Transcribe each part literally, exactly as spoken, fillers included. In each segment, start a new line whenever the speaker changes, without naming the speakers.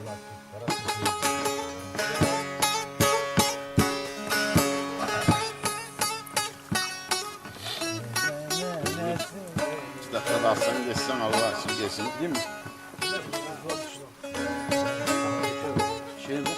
İki dakika da alsan geçsen Allah için geçsin değil mi? Şey mi?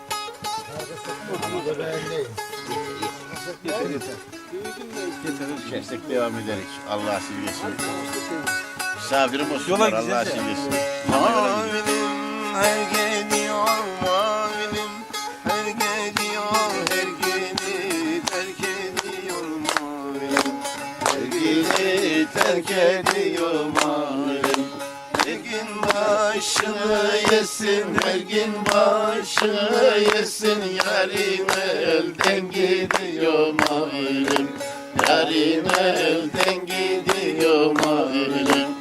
Yeter yeter. Kestik devam ederek Allah için geçsin. Misafirim olsunlar Allah için geçsin. Mavilim her geliyor mavilim her geliyor her geli terk ediyor mavilim her geli terk ediyor mavilim her gün başını yesin her gün başını yesin yarim elden gidiyor mavilim yarim elden gidiyor mavilim.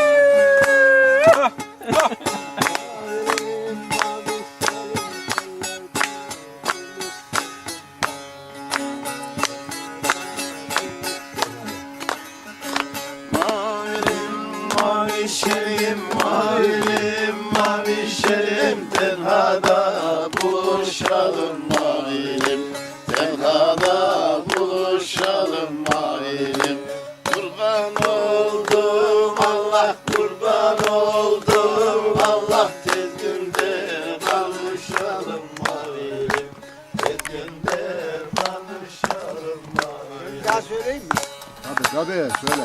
Mavişerim, mavilim, mavişerim, tenhada buluşalım mavilim, tenhada buluşalım mavilim. Kurban oldum Allah, kurban oldum Allah, tez günde kavuşalım mavilim, tez günde kavuşalım mavilim.
Daha söyleyeyim mi?
Tabii tabii söyle.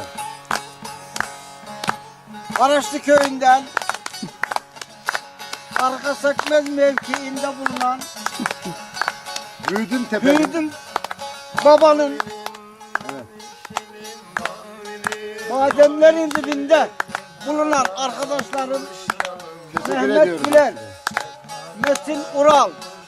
Karaşlı köyünden Arka Sökmez mevkiinde bulunan
Büyüdüm tepenin.
Büyüdüm babanın madenlerin dibinde bulunan arkadaşlarım
Teşekkür
Mehmet
ediyorum.
Güler, Metin Ural,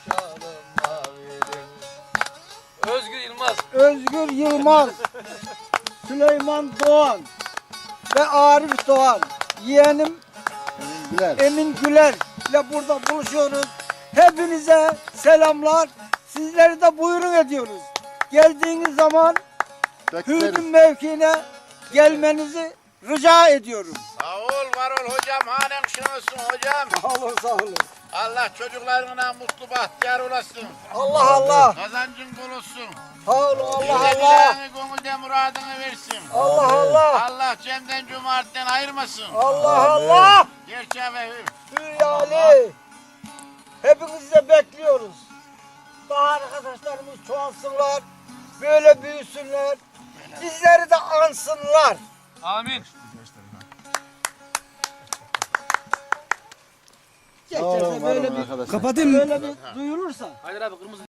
Özgür Yılmaz.
Özgür Yılmaz, Süleyman Doğan ve Arif Doğan, yeğenim
Güler.
Emin Güler ile burada buluşuyoruz. Hepinize selamlar. Sizleri de buyurun ediyoruz. Geldiğiniz zaman
Bekleriz.
Hürgün mevkiine gelmenizi rica ediyorum.
Sağ ol, var ol hocam, hanen şunusun hocam.
Sağ olun, sağ olun.
Allah çocuklarına mutlu bahtiyar olasın.
Allah Allah.
Kazancın bol olsun.
Sağ olun, Allah
Yüce
Allah.
dileğini, gönülde muradını versin.
Allah Allah.
Allah cemden cömertten ayırmasın.
Allah Allah.
Gerçeğe ve
Hülyali. Hepinizi de bekliyoruz. Daha arkadaşlarımız çoğalsınlar. Böyle büyüsünler. Bizleri de ansınlar.
Amin.
Geçerse böyle bir,
arkadaşlar.
kapatayım. Böyle bir duyulursa.
Hayır abi kırmızı.